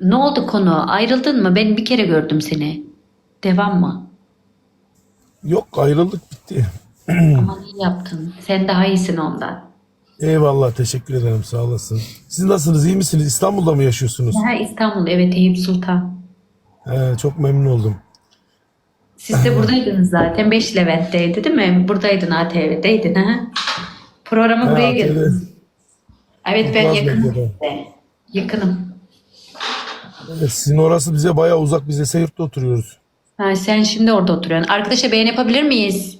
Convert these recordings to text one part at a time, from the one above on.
Ne oldu konu? Ayrıldın mı? Ben bir kere gördüm seni. Devam mı? Yok, ayrıldık, bitti. Aman iyi yaptın. Sen daha iyisin ondan. Eyvallah, teşekkür ederim, sağ olasın. Siz nasılsınız, iyi misiniz? İstanbul'da mı yaşıyorsunuz? Ha, İstanbul, evet, Eyüp Sultan. Çok memnun oldum. Siz de buradaydınız zaten. 5 Levent'teydi değil mi? Buradaydın, ATV'deydin ha? Programa buraya ATV geldin. Evet, ben Turkuaz yakınım Medya'da. size. Yakınım. Evet, sizin orası bize bayağı uzak. Biz Esenyurt'ta oturuyoruz. Ha, sen şimdi orada oturuyorsun. Arkadaşa beğen yapabilir miyiz?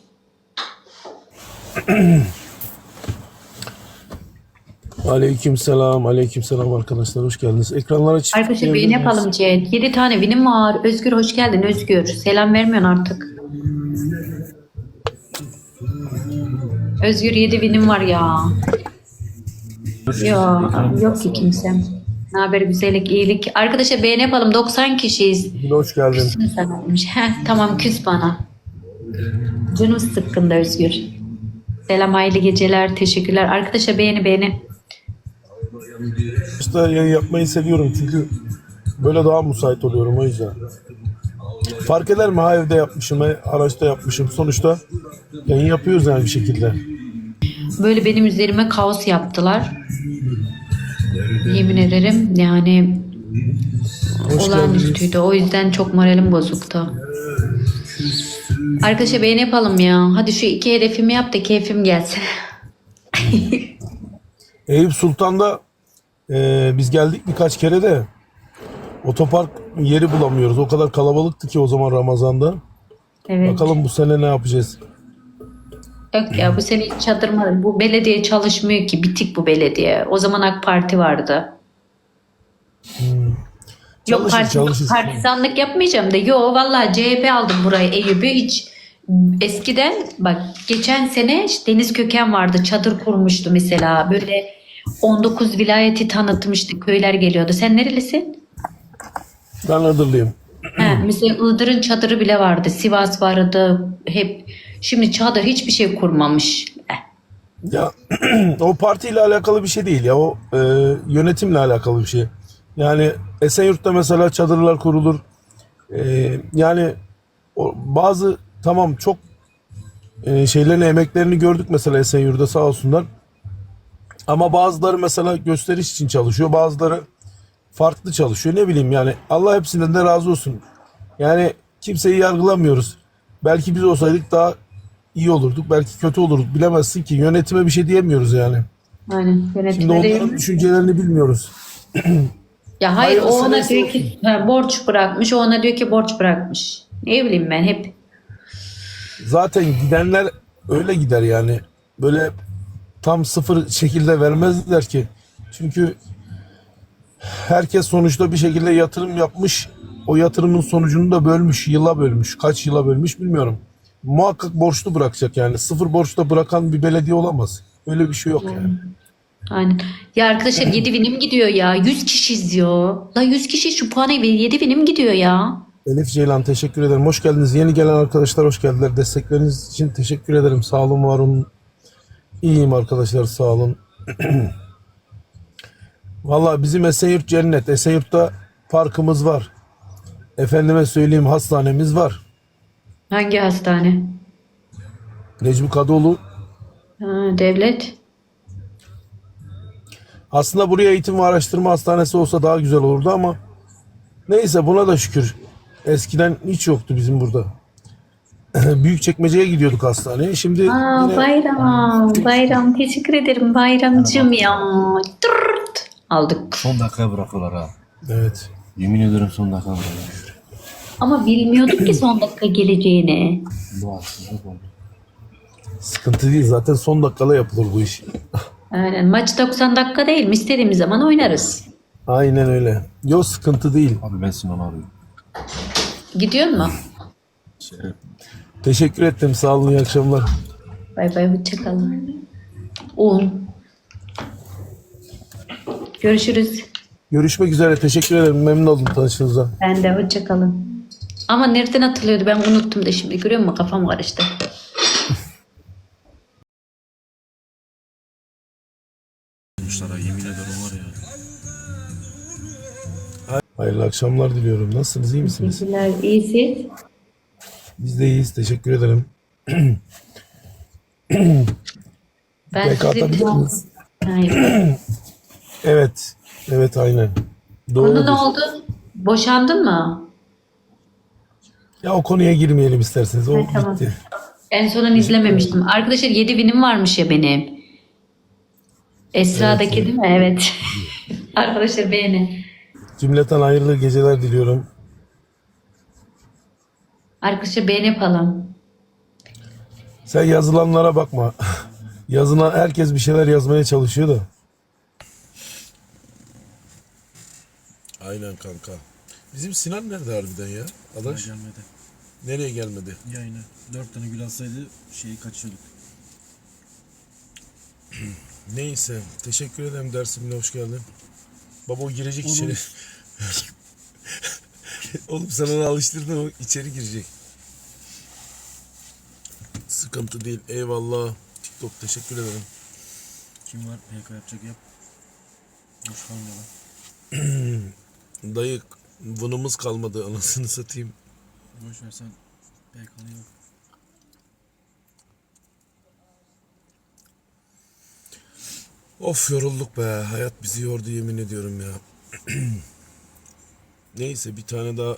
Aleykümselam, aleykümselam arkadaşlar, hoş geldiniz. Ekranlara çift Arkadaşa beğen tıklayabilir miyiz? yapalım Ceyt. 7 tane vinim var. Özgür hoş geldin Özgür. Selam vermiyorsun artık. Özgür 7 vinim var ya. Ya yok ki kimsem. Ne haber güzellik, iyilik. Arkadaşa beğen yapalım. 90 kişiyiz. Yine hoş geldin. Küstüm sana demiş. Heh, tamam küs bana. Canım sıkkında Özgür. Selam, hayırlı geceler. Teşekkürler. Arkadaşa beğeni. İşte yayın yapmayı seviyorum çünkü böyle daha müsait oluyorum, o yüzden. Fark eder mi? Ha, evde yapmışım, ha, araçta yapmışım. Sonuçta yayın yapıyoruz yani bir şekilde. Böyle benim üzerime kaos yaptılar. Yemin ederim yani Hoş olağanüstüydü. geldiniz. O yüzden çok moralim bozuktu. Arkadaşa beğeni yapalım ya. Hadi şu 2 hedefimi yap da keyfim gelsin. Eyüp Sultan'da biz geldik birkaç kere de otopark yeri bulamıyoruz. O kadar kalabalıktı ki o zaman Ramazan'da. Evet. Bakalım bu sene ne yapacağız? Yok ya, bu sene hiç çadırma. Bu belediye çalışmıyor ki. Bitik bu belediye. O zaman AK Parti vardı. Yok Çalışır çalışır. partizanlık yapmayacağım da. Yo vallahi CHP aldım burayı, Eyüp'ü hiç. Eskiden bak, geçen sene işte Deniz Köken vardı, çadır kurmuştu mesela, böyle 19 vilayeti tanıtmıştı, köyler geliyordu. Sen nerelisin? Ben Iğdırlıyım. Ha, mesela Iğdır'ın çadırı bile vardı, Sivas vardı hep. Şimdi çadır hiçbir şey kurmamış. Ya o partiyle alakalı bir şey değil ya. O yönetimle alakalı bir şey. Yani Esenyurt'ta mesela çadırlar kurulur. Yani bazı tamam çok şeylerin emeklerini gördük mesela Esenyurt'ta, sağ olsunlar. Ama bazıları mesela gösteriş için çalışıyor. Bazıları farklı çalışıyor. Ne bileyim yani, Allah hepsinden de razı olsun. Yani kimseyi yargılamıyoruz. Belki biz olsaydık daha iyi olurduk. Belki kötü olurduk. Bilemezsin ki. Yönetime bir şey diyemiyoruz yani. Aynen, Şimdi yönetime onların değil. düşüncelerini bilmiyoruz. Ya hayır, o Hayırlısı ona neyse diyor olsun. ki ha, borç bırakmış, o ona diyor ki borç bırakmış. Ne bileyim ben hep. Zaten gidenler öyle gider yani. Böyle tam sıfır şekilde vermezler ki. Çünkü herkes sonuçta bir şekilde yatırım yapmış. O yatırımın sonucunu da bölmüş. Yıla bölmüş. Kaç yıla bölmüş bilmiyorum. Muhakkak borçlu bırakacak yani. Sıfır borçla bırakan bir belediye olamaz. Öyle bir şey yok yani. Aynen. Ya arkadaşlar 7 binim gidiyor ya. 100 kişi izliyor. La 100 kişi şu puanı 7 binim gidiyor ya. Elif Ceylan, teşekkür ederim. Hoş geldiniz. Yeni gelen arkadaşlar hoş geldiler. Destekleriniz için teşekkür ederim. Sağ olun, var olun. İyiyim arkadaşlar, sağ olun. Valla bizim Esenyurt cennet. Esenyurt'ta parkımız var. Efendime söyleyeyim, hastanemiz var. Hangi hastane? Necmi Kadıoğlu. Ha, devlet. Aslında buraya eğitim ve araştırma hastanesi olsa daha güzel olurdu ama neyse, buna da şükür. Eskiden hiç yoktu bizim burada. Büyükçekmece'ye gidiyorduk hastaneye. Şimdi Aa, yine bayram teşekkür ederim bayramcığım ya. Tırt. Aldık. Son dakikaya bırakıyorlar ha. evet. Yemin ederim son dakikaya bırakıyorlar. Ama bilmiyorduk ki son dakika geleceğini. Bu haksızlık oldu. Sıkıntı değil. Zaten son dakikada yapılır bu iş. Aynen, maç 90 dakika değil mi? İstediğimiz zaman oynarız. Aynen öyle. Yok, sıkıntı değil. Abi ben Sinan'ı arıyorum. Gidiyor mu? Şey, Teşekkür ettim. Sağ olun. İyi akşamlar. Bay bay, hoşça kalın. Un. Görüşürüz. Görüşmek üzere. Teşekkür ederim. Memnun oldum tanıştığınıza. Ben de, hoşça kalın. Ama nereden atılıyordu, ben unuttum da şimdi, görüyor musun, kafam karıştı. Yemin ederim var ya. Hayırlı akşamlar diliyorum. Nasılsınız? İyi misiniz? Teşekkürler. İyisiz. Biz de iyiyiz. Teşekkür ederim. Ben PK sizi atabilir miyiz? Hayır. Evet. Evet aynen. Konu ne Doğrudur. oldu? Boşandın mı? Ya o konuya girmeyelim isterseniz. O Ha, tamam. bitti. En sonunu izlememiştim. Arkadaşlar 7 binim varmış ya benim. Esra'daki Evet. değil mi? Evet. Arkadaşlar beğenin. Cümleten hayırlı geceler diliyorum. Arkadaşlar beğeni yapalım. Sen yazılanlara bakma. Yazılan herkes bir şeyler yazmaya çalışıyor da. Aynen kanka. Bizim Sinan nerede harbiden ya? Adaş. Gelmedi. Nereye gelmedi? Yayına. 4 tane gül atsaydı şeyi kaçıyorduk. Neyse. Teşekkür ederim dersimle hoş geldin. Baba o girecek içeri. Oğlum sen onu alıştırdın o içeri girecek. Sıkıntı değil. Eyvallah. TikTok teşekkür ederim. Kim var? PK yapacak yap. Boş kalma lan. Dayı vınımız kalmadı anasını satayım. Boş ver sen. PK'nı yok. Of yorulduk be. Hayat bizi yordu yemin ediyorum ya. Neyse bir tane daha.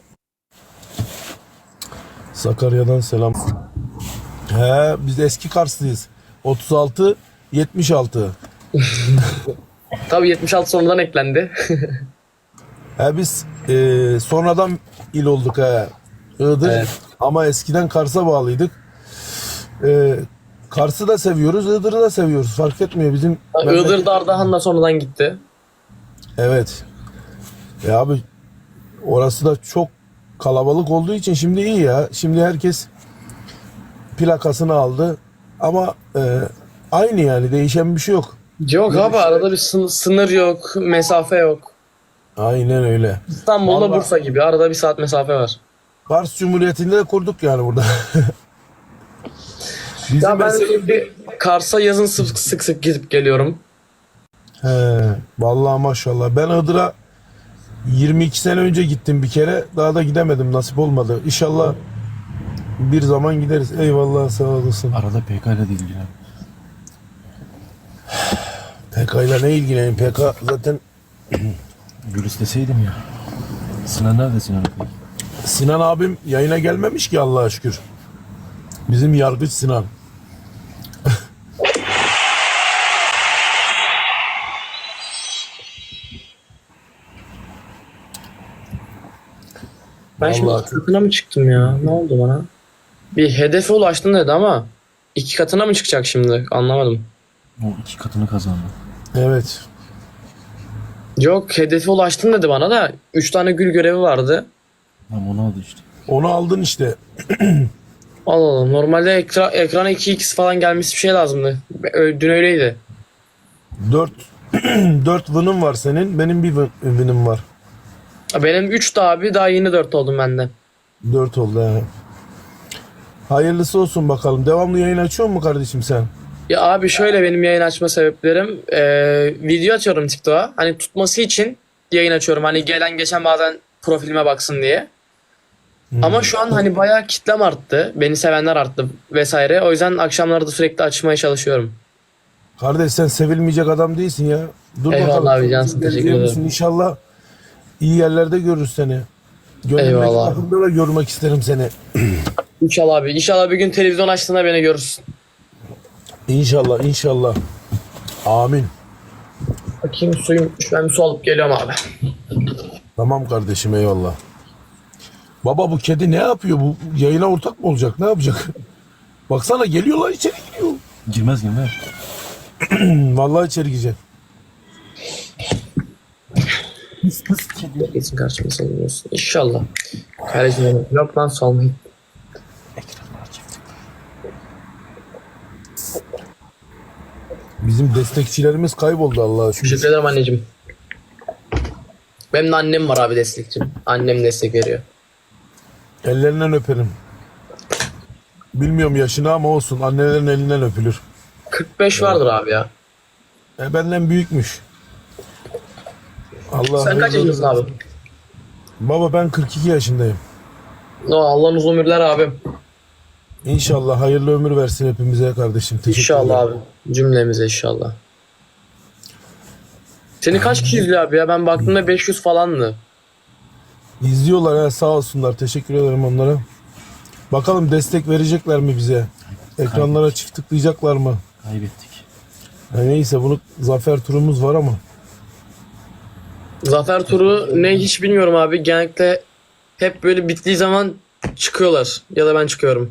Sakarya'dan selam. He biz eski Karslıyız. 36 76. Tabii 76 sonradan eklendi. He biz sonradan il olduk he. Iğdır. Evet. Ama eskiden Kars'a bağlıydık. Kars'ı da seviyoruz, Iğdır'ı da seviyoruz. Fark etmiyor bizim. Iğdır'da Ardahan da sonradan gitti. Evet. Abi orası da çok kalabalık olduğu için şimdi iyi ya. Şimdi herkes plakasını aldı. Ama aynı yani değişen bir şey yok. Yok abi arada bir sınır yok, mesafe yok. Aynen öyle. İstanbul'da Vallahi- Bursa gibi arada bir saat mesafe var. Kars Cumhuriyeti'nde de kurduk yani burada. Bizim Ya ben mesela- sürekli Kars'a yazın sık sık gidip geliyorum. He, vallahi maşallah. Ben Iğdır'a 22 sene önce gittim bir kere. Daha da gidemedim. Nasip olmadı. İnşallah bir zaman gideriz. Eyvallah sağ olasın. Arada PK ile de ilgilen. PK ile ne ilgileneyim? PK zaten Gül isteseydim ya. Sinan nerede Sinan peki? Sinan abim yayına gelmemiş ki Allah'a şükür. Bizim yargıç Sinan. Ben şimdi Vallahi- iki katına mı çıktım ya? Ne oldu bana? Bir hedefe ulaştın dedi ama iki katına mı çıkacak şimdi? Anlamadım. O 2 katını kazandı. Evet. Yok hedefe ulaştın dedi bana da 3 tane gül görevi vardı. Ama onu aldı işte. Onu aldın işte. Allah Allah normalde ekrana 2x falan gelmesi bir şey lazımdı. Dün öyleydi. 4 4 vınım var senin. Benim bir vınım var. Benim 3'tü abi daha yeni 4 oldum benden. 4 oldu he. Hayırlısı olsun bakalım. Devamlı yayın açıyor mu kardeşim sen? Ya abi şöyle benim yayın açma sebeplerim video atıyorum TikTok'a. Hani tutması için yayın açıyorum. Hani gelen geçen bazen profilime baksın diye. Ama şu an hani bayağı kitlem arttı. Beni sevenler arttı vesaire. O yüzden akşamları da sürekli açmaya çalışıyorum. Kardeş sen sevilmeyecek adam değilsin ya. Dur Eyvallah bakalım. abi, cansın, teşekkür Gelecek misin? ederim. İnşallah iyi yerlerde görürüz seni. Gönlümdeki Eyvallah. takımda da görmek isterim seni. İnşallah abi. İnşallah bir gün televizyon açtığında beni görürsün. İnşallah inşallah. Amin. Bakayım suyum. Ben bir su alıp geliyorum abi. Tamam kardeşim eyvallah. Baba bu kedi ne yapıyor? Bu yayına ortak mı olacak? Ne yapacak? Baksana geliyorlar içeri giriyor. Girmez girmez. Vallahi içeri girecek. Geçsin karşıma salınıyorsun. İnşallah. Kardeşim yok lan salmayın. Bizim destekçilerimiz kayboldu Allah'a şükür. Teşekkür ederim anneciğim. Benim de annem var abi destekçim. Annem destek veriyor. Ellerinden öperim. Bilmiyorum yaşını ama olsun. Annelerin elinden öpülür. 45 vardır abi ya. Benden büyükmüş. Allah Sen kaç hayırlı yaşındasın abi? Baba ben 42 yaşındayım. Allah uzun ömürler abim. İnşallah hayırlı ömür versin hepimize kardeşim. Teşekkür İnşallah ederim. abi. Cümlemize inşallah. Seni kaç kişi izliyor abi ya? Ben baktığımda 500 falandı. İzliyorlar ha, sağ olsunlar. Teşekkür ederim onlara. Bakalım destek verecekler mi bize? Ekranlara çift tıklayacaklar mı? Kaybettik. Ya neyse bunu zafer turumuz var ama. Zafer turu ne hiç bilmiyorum abi. Genellikle hep böyle bittiği zaman çıkıyorlar. Ya da ben çıkıyorum.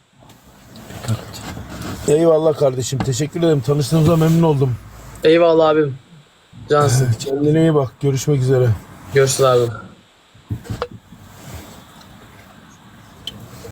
Kaybettik. Eyvallah kardeşim. Teşekkür ederim. Tanıştığımıza memnun oldum. Eyvallah abim. Cansın. Kendine iyi bak. Görüşmek üzere. Görüşürüz abim.